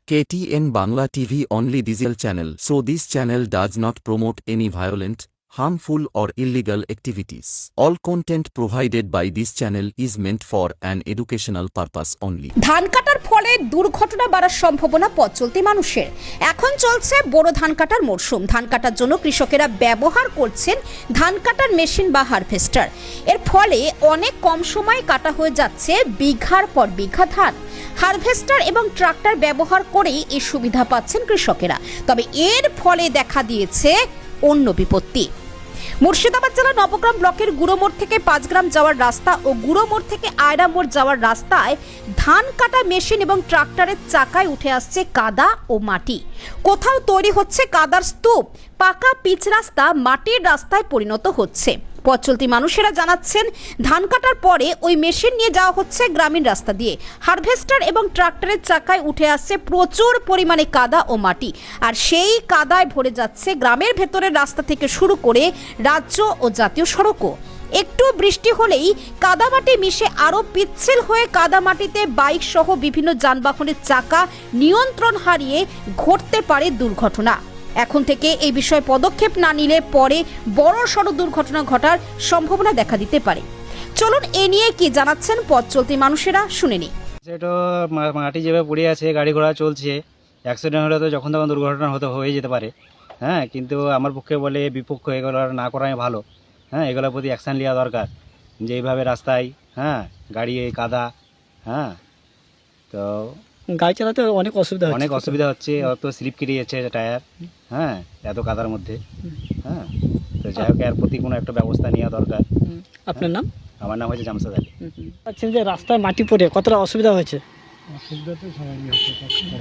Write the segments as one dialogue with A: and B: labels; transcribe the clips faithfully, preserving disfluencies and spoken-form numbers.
A: K T N Bangla T V only digital channel, so this channel does not promote any violent, harmful or illegal activities. All content provided by this channel is meant for an educational purpose only.
B: ধান কাটার ফলে দুর্ঘটনা বাড়ার সম্ভাবনা পথ চলতি মানুষের। এখন চলছে বড় ধান কাটার মরশুম। ধান কাটার জন্য কৃষকেরা ব্যবহার করছেন ধান কাটার মেশিন বা হারভেস্টার। এর ফলে অনেক কম সময়ে কাটা হয়ে যাচ্ছে বিঘার পর বিঘা ধান। হারভেস্টার এবং ট্রাক্টর ব্যবহার করেই এই সুবিধা পাচ্ছেন কৃষকেরা। তবে এর ফলে দেখা দিয়েছে অন্য বিপত্তি। মুর্শিদাবাদ জেলার নবগ্রাম ব্লকের গুড়োমোড় থেকে পাঁচগ্রাম যাওয়ার রাস্তা ও গুড়োমোড় থেকে আয়রামোড় যাওয়ার রাস্তায় ধান কাটা মেশিন এবং ট্রাক্টরের চাকায় উঠে আসছে কাদা ও মাটি। কোথাও তৈরি হচ্ছে কাদার স্তূপ, পাকা পিচ রাস্তা মাটির রাস্তায় পরিণত হচ্ছে। পথ চলতি মানুষেরা জানাচ্ছেন, ধান কাটার পরে ওই মেশিন নিয়ে যাওয়া হচ্ছে গ্রামীণ রাস্তা দিয়ে। হারভেস্টার এবং ট্রাক্টরের চাকায় উঠে আসছে প্রচুর পরিমাণে কাদা ও মাটি, আর সেই কাদায় ভরে যাচ্ছে গ্রামের ভেতরের রাস্তা থেকে শুরু করে রাজ্য ও জাতীয় সড়কও। একটু বৃষ্টি হলেই কাদামাটি মিশে আরও পিচ্ছিল হয়ে কাদামাটিতে বাইক সহ বিভিন্ন যানবাহনের চাকা নিয়ন্ত্রণ হারিয়ে ঘটতে পারে দুর্ঘটনা। এখন থেকে এই বিষয়ে পদক্ষেপ না নিলে পরে বড় সড় দুর্ঘটনা ঘটার সম্ভাবনা দেখা দিতে পারে। চলুন এ নিয়ে কি জানাচ্ছেন পথ চলতি মানুষেরা, শুনে নি।
C: সেটা মাটি যেভাবে পড়ে আছে, গাড়ি ঘোড়া চলছে, অ্যাক্সিডেন্ট হলে তো যখন তখন দুর্ঘটনা হতে হয়ে যেতে পারে। হ্যাঁ, কিন্তু আমার পক্ষে বলে বিপক্ষ এগুলো না করাই ভালো। হ্যাঁ, এগুলোর প্রতি অ্যাকশান নেওয়া দরকার, যে এইভাবে রাস্তায় হ্যাঁ গাড়ি কাদা, হ্যাঁ তো
D: গাড়ি চালাতে অনেক অসুবিধা
C: অনেক অসুবিধা হচ্ছে। অত স্লিপ কেটে যাচ্ছে টায়ার, হ্যাঁ এত কাদার মধ্যে। হ্যাঁ, তো যাই হোক এর প্রতি কোনো একটা ব্যবস্থা নেওয়া দরকার।
D: আপনার নাম?
C: আমার নাম হচ্ছে জামশেদ আলী।
D: আচ্ছা, যে রাস্তায় মাটি পড়ে কতটা অসুবিধা হয়েছে?
E: অসুবিধা তো সবাই হচ্ছে।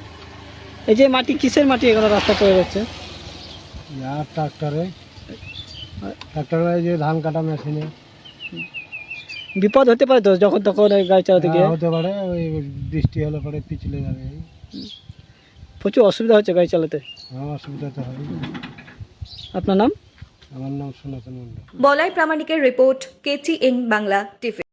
D: এই যে মাটি, কিসের মাটি এগুলো রাস্তা পড়ে যাচ্ছে?
E: আর ট্রাক্টরে ট্রাক্টরে যে ধান কাটা মেশিনে
D: বিপদ হতে পারে তো যখন তখন ওই গাড়ি চালাতে গিয়ে?
E: হতে পারে, ওই বৃষ্টি হলে পরে পিছলে যাবে।
D: প্রচুর অসুবিধা হচ্ছে গাড়ি চালাতে।
E: হ্যাঁ, অসুবিধা তো হয়।
D: আপনার নাম?
E: আমার নাম সনাতন মন্ডল।
F: বলাই প্রামাণিকের রিপোর্ট, কেটিএন বাংলা টিভি।